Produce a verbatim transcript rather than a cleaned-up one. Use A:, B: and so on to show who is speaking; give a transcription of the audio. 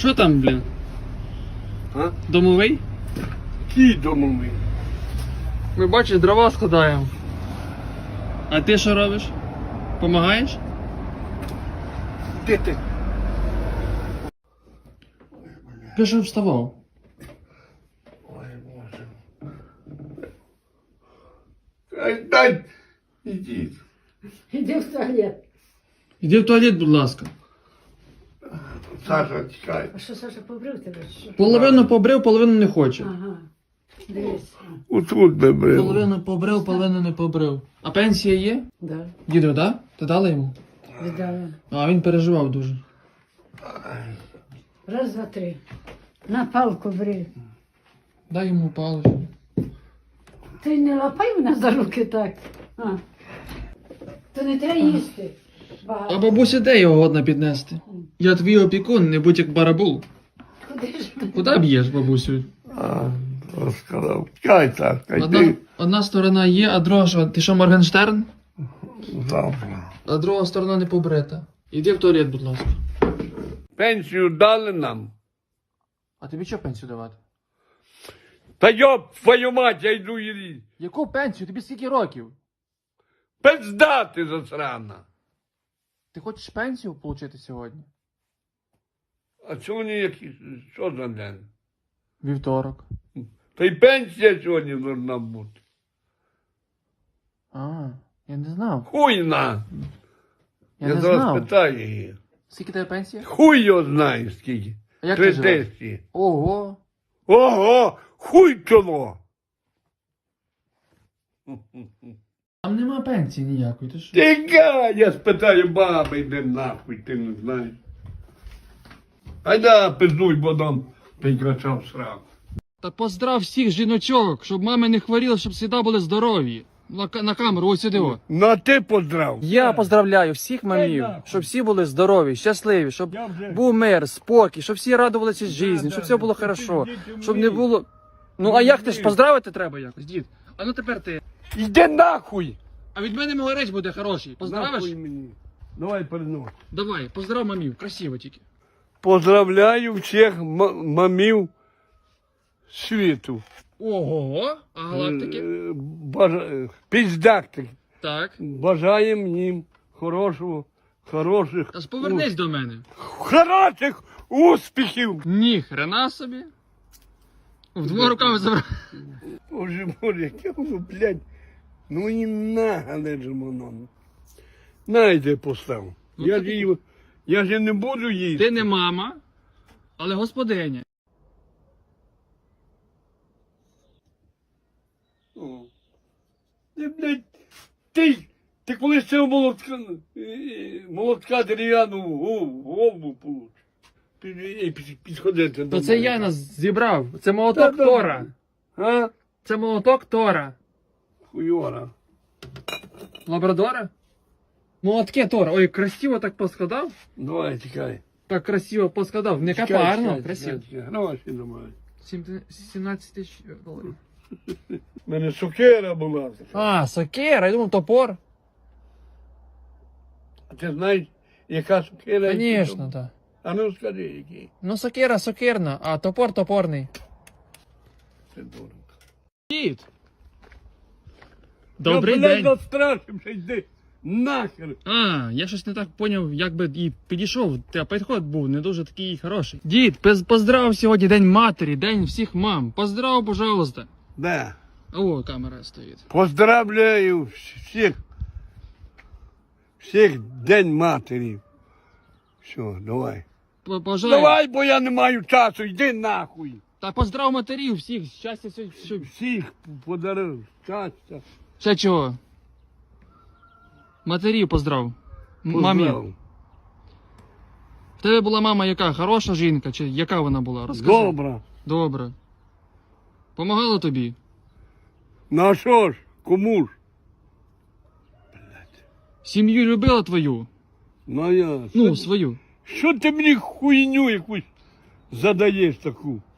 A: Що там, блін?
B: А?
A: Домовий?
B: Який домовий?
A: Ми бачиш, дрова складаємо. А ти що робиш? Помагаєш?
B: Де ти?
A: Ти що вставав?
B: Ой, Боже. Ай, дай, ідіть.
C: Іди в туалет.
A: Іди в туалет, будь ласка.
B: Саша, чекай.
C: А що, Саша, побрив тебе? чи Що?
A: Половину побрив, половину не хоче.
C: Ага. Дивись.
B: Отут би брив.
A: Половину побрив, половину не побрив. А пенсія є?
C: Да,
A: Діду, да? Ти дала йому?
C: віддала.
A: А він переживав дуже.
C: Раз, два, три. На палку бри.
A: Дай йому паличку.
C: Ти не лапай мене за руки так. А. То не треба їсти.
A: А
C: Багато.
A: бабусі де його годна піднести? Я твій опікун, не будь як барабул.
C: Куди ж?
A: Куди б'єш, бабусю?
B: А, розказав. Чекай, Сашка,
A: Одна,
B: йди
A: одна сторона є, а друга що? Ти що, Моргенштерн?
B: завтра.
A: А друга сторона не побрита. Іди в туалет, будь ласка.
B: Пенсію дали нам.
A: А тобі що пенсію давати?
B: Та йоп, твою мать, я йду її.
A: Яку пенсію? Тобі скільки років?
B: Пизда ти засрана.
A: Ти хочеш пенсію отримати сьогодні?
B: А сьогодні який, що за день?
A: Вівторок.
B: Та й пенсія сьогодні должна бути.
A: А, я не знав.
B: Хуй на.
A: Я,
B: Я
A: не
B: зараз
A: знав.
B: питаю її.
A: Скільки тебе пенсія?
B: Хуй його знає скільки.
A: А як ти
B: Три
A: живеш?
B: тисячі.
A: Ого.
B: Ого, хуй чоло.
A: Там нема пенсії ніякої, ти що?
B: Тікай, я спитаю баби, йди нахуй, ти не знаєш. Айда, пиздуй, бо там прикрачав сраку.
A: Та поздрав всіх жіночок, щоб мами не хворіли, щоб завжди були здорові. На, ка- на камеру, ось сюди. о.
B: Ну а ти поздрав.
A: Я поздравляю всіх мамів,
B: нахуй.
A: щоб всі були здорові, щасливі, щоб
B: Я вже-
A: був мир, спокій, щоб всі радувалися житті, щоб все було хорошо, щоб не було. Ну а як ти ж поздравити треба якось, дід? А ну тепер ти.
B: Йди нахуй.
A: А від мене могорець буде хороший. Поздравиш?
B: Нахуй мені. Давай перенос.
A: Давай, поздрав мамів, красиво тільки.
B: Поздравляю всіх м- мамів світу.
A: Ого, а галактики?
B: Е, бажа- Піздактик.
A: Так.
B: Бажаємо їм хорошого, хороших,
A: Та ж повернись до мене.
B: хороших успіхів.
A: Ні, хрена собі. В двома руками забрав.
B: Боже, боже, яке воно, блядь, ну і нагане ж воно. Найде постав.
A: Ну,
B: Я
A: ти-
B: ж її, я ж не буду їсти.
A: Ти не мама, але господиня.
B: О. Ти, блядь, ти, ти колись цього молотка, е, молотка дерев'яну в голову получиш. Ти е, під- підходити до
A: То це
B: мене.
A: я нас зібрав. Це молоток
B: Та,
A: Тора.
B: А?
A: Це молоток Тора.
B: Хуйора.
A: Лабрадора? Молотки Тора. Ой, красиво так поскладав.
B: Давай, тікай.
A: Так красиво поскладав. Не
B: Тікай,
A: капарно,
B: тікай,
A: красиво.
B: тікай, тікай. Гроші давай.
A: Сім- сімнадцять тисяч доларів.
B: У мене сокира була.
A: А, сокира, я думав топор.
B: А ти знаєш, яка сокира?
A: Звісно, так.
B: А ну скажи, який.
A: Ну сокира сокирна, а топор топорний.
B: Це дурно.
A: Дід! Добрий
B: я, блядь,
A: день.
B: настрашився, йди нахер.
A: А, я щось не так поняв, як би і підійшов, та підход був не дуже такий хороший. Дід, пез- поздрав сьогодні День матері, День всіх мам. Поздрав, пожалуйста.
B: Да.
A: О, камера стоїть.
B: Поздравляю всіх. Всіх День матері. Все, давай.
A: П- Бажаю.
B: Давай, бо я не маю часу, йди нахуй.
A: Та поздрав матерів всіх, щастя, все, все.
B: Всіх подарив щастя.
A: Ще чого? Матерів поздрав. М- Мамі.
B: Поздрав.
A: В тебе була мама яка? Хороша жінка? Чи яка вона була? Розкажи.
B: Добре.
A: Добре. Помагала тобі?
B: Ну а що ж, кому ж?
A: Сім'ю любила твою?
B: Ну я.
A: Ну, свою.
B: Що ти мені хуйню якусь задаєш таку?